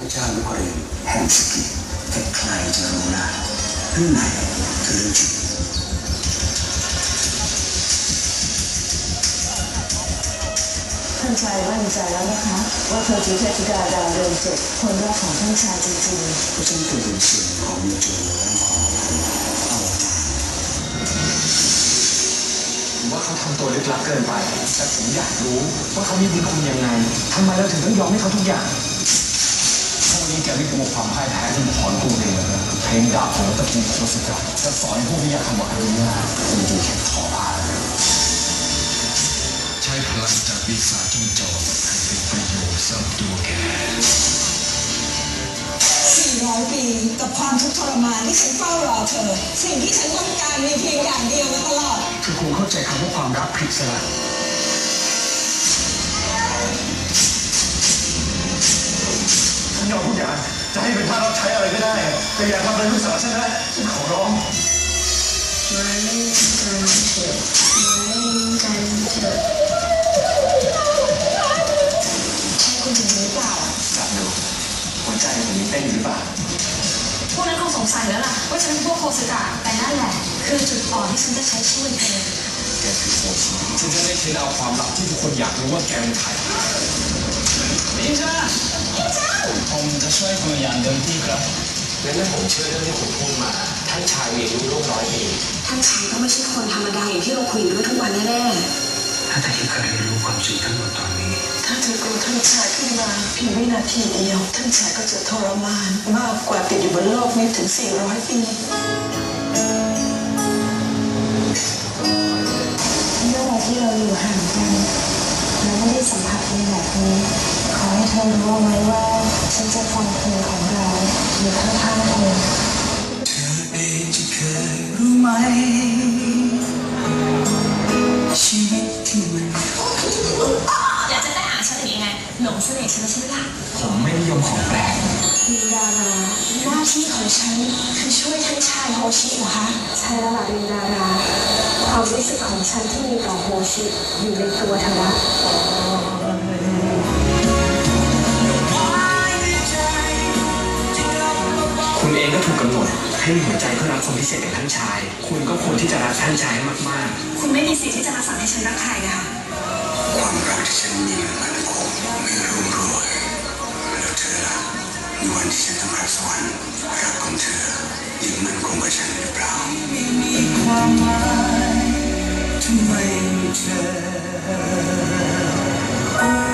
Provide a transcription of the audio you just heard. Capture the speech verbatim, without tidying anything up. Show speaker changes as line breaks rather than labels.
พระเจ้านครินทร์แห่งสกิแต่ใครจะรู้ล่ะเรื่องไหนคือเรื่องจริง
ท่านชายมั่นใจแล้วนะคะว่าเธอคือเทพธิดาดาวเรืองเจ็ดคนแรกของท่านชายจริงๆ
เพราะฉันเคยเป็นส่วนของมิจูและของคุณอวตาร
ผมว่าเขาทำตัวลึกลับเกินไปแต่ผมอยากรู้ว่าเขามีบุญคุณยังไงทำไมเราถึงต้องยอมให้เขาทุกอย่างพวกนี้แกไม่กลัวความพ่ายแพ้ที่ถอนตัวเองเลยเพลงดาบของตระกูลโคสกัดจะสอนให้พวกนี้อยากทำอะไรเนี่ยคุณดีแค่ทอผ้า
ใช้พลังจากวิสาจิ้งจอกให้เป็นประโยชน์สำหรับตัวแก
สี่ร้อยปีกับความทุกข์ทรมานที่ฉันเฝ้ารอเธอสิ่งที่ฉันต้องการมีเพียงอย่างเดียวมาตลอด
คือคุณเข้าใจคำว่าความรักผิดซะแล้วฉันยอมทุกอย่างจะให้เป็นท่ารับใช้อะไรก็ได้แต่อย่าทำอะไรลูกสาวฉันนะฉันขอร้อง
ไม่กันเถอะไม่กันเถอะ
ใช่คุณถึงหรือเปล่า
จับดูหัวใจผมมีเต้นอยู่หรือเปล่า
พวกนั้นคงสงสัยแล้วล่ะว่าฉันเป็นพวกโคสกะแต่นั่นแหละคือจุดอ่อนที่ฉันจะใช้ช่วยเธอ
แกคือโคชิฉันจะได้เทเอาความลับที่ทุกคนอยากรู้ว่าแกเป็นใครนินจาผมจะช่วยคุณอย่างเต็มที่ครับงั้นถ้าผมเชื่อเรื่องที่คุณพูดมาท่านชายมีอายุร่วมร้อยปี
ท่านชายก็ไม่ใช่คนธรรมดาอย่างที่เราคุยด้วยทุกวันแน่
ๆถ้าแต่ที่เคยรู้ความจริงทั้งหมดตอนนี้
ถ้าเธอกลัวท่านชายขึ้นมาเพียงวินาทีเดียวท่านชายก็จะทรมานมากกว่าติดอยู่บนโลกนี้ถึงสี่ร้อยปีเมื่อไรที่เราอยู่ห่างกันเราไม่ได้สัมผัสในแบบนี้ขอให้เธอรู้ไว้ว่าฉันจะฟังเพลงของเราอยู่ข้างๆเธอ
เธอเองจะเคยรู้ไหมชีวิตที่มัน
อยากจะได้หาฉันหรือยังไงหลงเสน่ห์ฉันใช่ไหมล่ะ
ผมไม่นิยมของแปลก
ลินดาราหน้าที่ของฉันคือช่วยท่านชายโฮชิเหรอคะใช่แล้วล่ะลินดาราความรู้สึกของฉันที่มีต่อโฮชิอยู่ในตัวเธอละ
คุณเองก็ถูกกำหนดให้มีหัวใจเพื่อรักคนพิเศษอย่างท่านชายคุณก็ควรที่จะรักท่านชายให้มาก
ๆคุณไม่มีสิทธิ์ที่จะมาสั่งให้ฉันรักใครนะคะ
ความรักที่ฉันมีมันคงไม่รุ่งโรยแล้วเธอล่ะมีวันที่ฉันต้องรับสวรรค์รักของเธอยิ่งมันคงกว่าฉันหรือเปล่าไม่มีความหมายทำไมเธอ